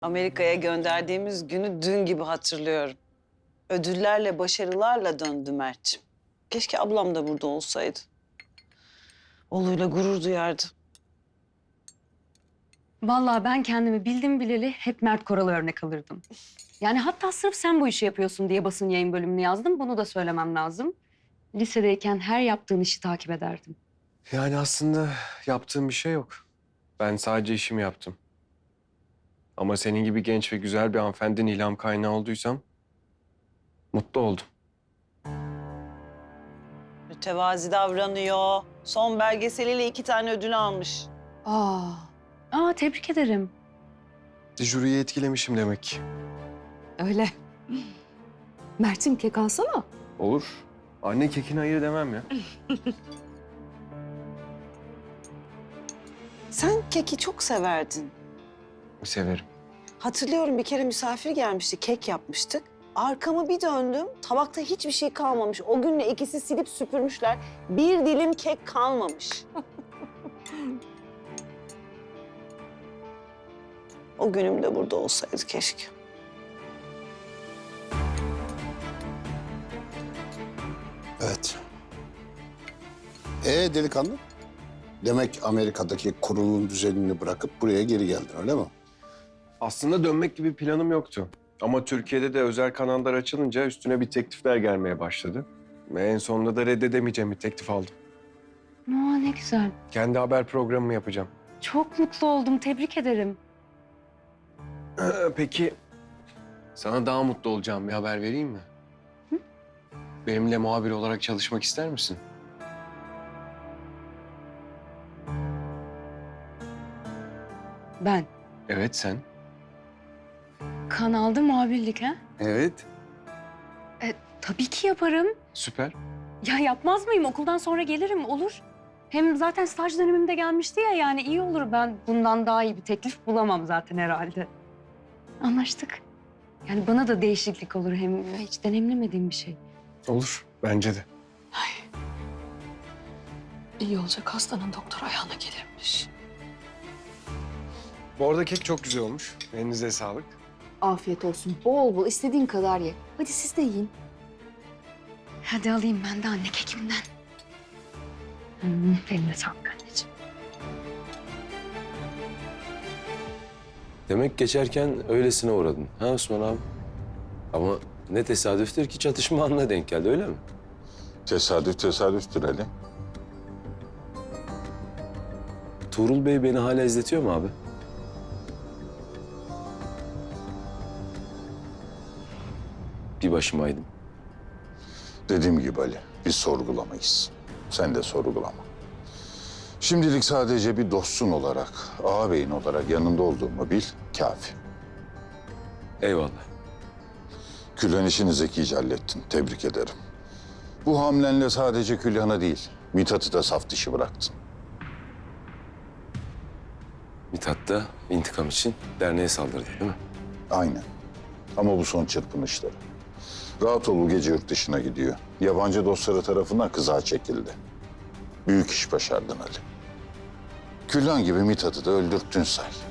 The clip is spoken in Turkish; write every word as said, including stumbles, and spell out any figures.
Amerika'ya gönderdiğimiz günü dün gibi hatırlıyorum. Ödüllerle, başarılarla döndü Mert'ciğim. Keşke ablam da burada olsaydı. Oğluyla gurur duyardı. Vallahi ben kendimi bildim bileli hep Mert Koral'a örnek alırdım. Yani hatta sırf sen bu işi yapıyorsun diye basın yayın bölümünü yazdım. Bunu da söylemem lazım. Lisedeyken her yaptığın işi takip ederdim. Yani aslında yaptığım bir şey yok. Ben sadece işimi yaptım. Ama senin gibi genç ve güzel bir hanımefendinin ilham kaynağı olduysam mutlu oldum. Mütevazi davranıyor. Son belgeseliyle iki tane ödül almış. Aa, aa tebrik ederim. Jüriyi etkilemişim demek ki. Öyle. Mert'im kek alsana. Olur. Anne kekine hayır demem ya. Sen keki çok severdin. Severim. Hatırlıyorum bir kere misafir gelmişti, kek yapmıştık. Arkamı bir döndüm, tabakta hiçbir şey kalmamış. O günle ikisi silip süpürmüşler. Bir dilim kek kalmamış. O günüm de burada olsaydı keşke. Evet. Ee delikanlı? Demek Amerika'daki kurulun düzenini bırakıp buraya geri geldin öyle mi? Aslında dönmek gibi planım yoktu. Ama Türkiye'de de özel kanallar açılınca üstüne bir teklifler gelmeye başladı. Ve en sonunda da reddedemeyeceğim bir teklif aldım. Aa, ne güzel. Kendi haber programımı yapacağım. Çok mutlu oldum. Tebrik ederim. Peki sana daha mutlu olacağım bir haber vereyim mi? Hı? Benimle muhabir olarak çalışmak ister misin? Ben Evet sen. kanalda muhabirlik ha? Evet. E, tabii ki yaparım. Süper. Ya yapmaz mıyım? Okuldan sonra gelirim, olur. Hem zaten staj dönemimde gelmişti ya, yani iyi olur. Ben bundan daha iyi bir teklif bulamam zaten herhalde. Anlaştık. Yani bana da değişiklik olur, hem hiç deneyimlemediğim bir şey. Olur. Bence de. İyi olacak, hastanın doktor ayağına gelirmiş. Bu arada kek çok güzel olmuş. Elinize sağlık. Afiyet olsun. Bol bol istediğin kadar ye. Hadi siz de yiyin. Hadi alayım ben de anne kekimden. Hmm, eline sağlık anneciğim. Demek geçerken öylesine uğradın. Ha Osman abi? Ama ne tesadüftür ki çatışma anına denk geldi, öyle mi? Tesadüf tesadüftür Ali. Tuğrul Bey beni hala izletiyor mu abi? Bir başımaydım. Dediğim gibi Ali, biz sorgulamayız. Sen de sorgulama. Şimdilik sadece bir dostun olarak, ağabeyin olarak yanında olduğumu bil, kafi. Eyvallah. Külhan işini zekice hallettin, tebrik ederim. Bu hamlenle sadece Külhan'a değil, Mithat'ı da saf dışı bıraktın. Mithat da intikam için derneğe saldırdı, değil mi? Aynen. Ama bu son çırpınışları. Rahat ol, bu gece yurt dışına gidiyor. Yabancı dostları tarafından kızağa çekildi. Büyük iş başardın Ali. Külhan gibi Mithat'ı da öldürttün say.